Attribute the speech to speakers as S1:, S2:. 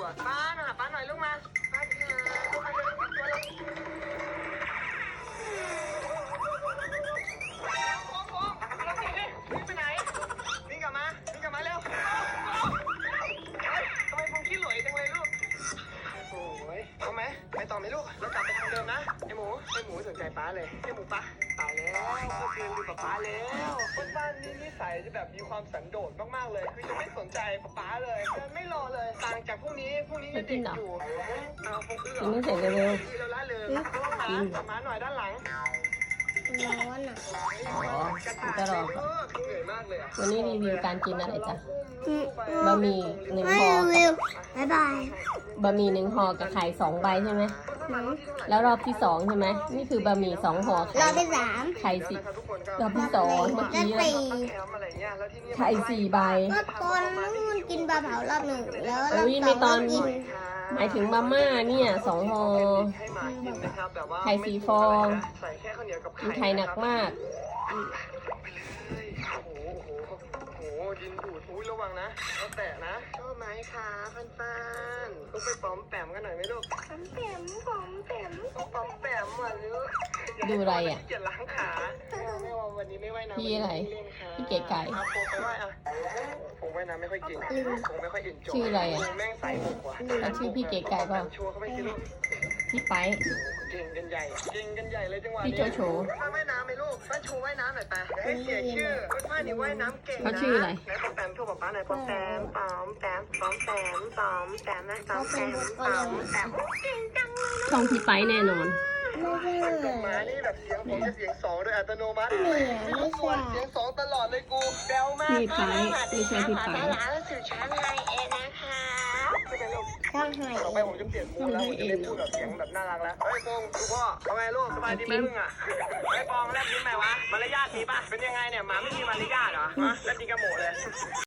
S1: อ่ะป้ามาหาป้าหน่อยลูกมาป้าจ๋าลูกมาตัวเลยโค้งเราหนีดิวิ่งไปไหนวิ่งกลับมาเร็วทำไมผมขี้หลวยจังเลยลูกโอ้ยเอาไหมไปต่อไหมลูกเรากลับไปทางเดิมนะไอหมูสนใจป้าเลยไอหมูป้าตายแล้วเมื่อคืนดูป้าแล้วคนบ้านนี่นิสัยจะแบบมีความสันโดษมากๆเลยคือจะไม่สนใจป้าเลยจะไม่รอเลยต่างจากพรุ่งนี้ยังเด็กอยู่เอาคงเอื้อ
S2: กินไม่เสร็จเร็ว
S1: เราละเลยระวังหมาหน่อยด้านหลัง
S3: ร้อนอ่ะ
S2: จะรอ
S1: เหนื่อยมากเลยอ่ะ
S2: วันนี้รีวิวการกินอะไรจ๊ะบะหมี่1
S3: ไม่
S2: ห่อ
S3: วิวบ๊ายบาย
S2: บะหมี่1ห่อกับไข่2 ใบใช่ไหมแล้วรอบที่2ใช่ไหมนี่คือบะหมี่2ห่อ
S3: รอบที่
S2: ไข่สิรอบที่2เมื่อกี้
S3: แล้ว
S2: ไข่4 ใบ
S3: ก็ตอนนู้นกินปลาเผารอบหนึ่งแล้วรอบ
S2: อุ้ย
S3: ส
S2: ไม่
S3: อง
S2: ตอ
S3: ก็
S2: น
S3: กิน
S2: หมายถึงมาม่าเนี่ย2ห่อ ไข่4 ฟองกินไข่หนักมาก
S1: โอ้โหดินดูดอุ้ยระวังนะเอาแตะนะชอบไหมคะฟันลูกไปปอมแปมกันหน่อยไหมลูกปอมแปมอ่ะลูก
S2: ดูอะไรอ่ะ
S1: เกียจล้างขาไม่ว่าวันนี้ไม่ว่ายน้ำ
S2: พี่อะไรพี่เก๋ไก่
S1: เอาโฟไปว่ายอ่ะผมว่ายน้ำไม่ค่อยเก่งผมไม่ค่อยเอ็นจอย
S2: ชื่ออะไรอ่ะ
S1: แม่งใส่หมวกว่ะ
S2: แล้วชื่อพี่เก๋ไก่เปล่า
S1: ชัวร์เข้าไปสิลูก
S2: พี่ไป
S1: เก่งกันใหญ่เลยจังหวะ
S2: พี่
S1: นี้
S2: โจโฉ
S1: ป้าว่ายน้ำไหมลูกป้าชูว่ายน้ำหน่อยไปให้เสียชื่อป้านี่ว่ายน้ำเก่งนะ
S2: เขาชื่ออะไร
S1: ไหนปอมแปมโทรบอกป้าหน่อยปอมแปมนะปอมแปมนะเก่งจังเลย
S2: ช่องพี่ไปแน่นอน
S3: ไม่ใช่
S1: มานี่แบบเสียงผมจะเสียงสองโดยอัตโนมัติ
S3: ไม่
S1: ไม่รบกวนเสียงสองตลอดเลยกูแบวมาก
S2: พี่ไปไม่ใช่พี่ไป
S1: ร้านสื่อชั้นไฮเอ็นนะคะไม่เป็นไรลูก
S3: ช่างให้
S1: ต่อไปผมจะเปลี่ยนมูดแล้วผมจะไม่พูดแบบเสียงแบบน่ารักแล้วเฮ้ยปงลูกพ่อทำไมลูกสบายดีไหมมึงอ่ะไอ้ปองแลบลิ้นไหมวะมารยาทมีป่ะเป็นยังไงเนี่ยหมาไม่มีมารยาทเหรอฮะแลบลิ้นกระโหมกเลย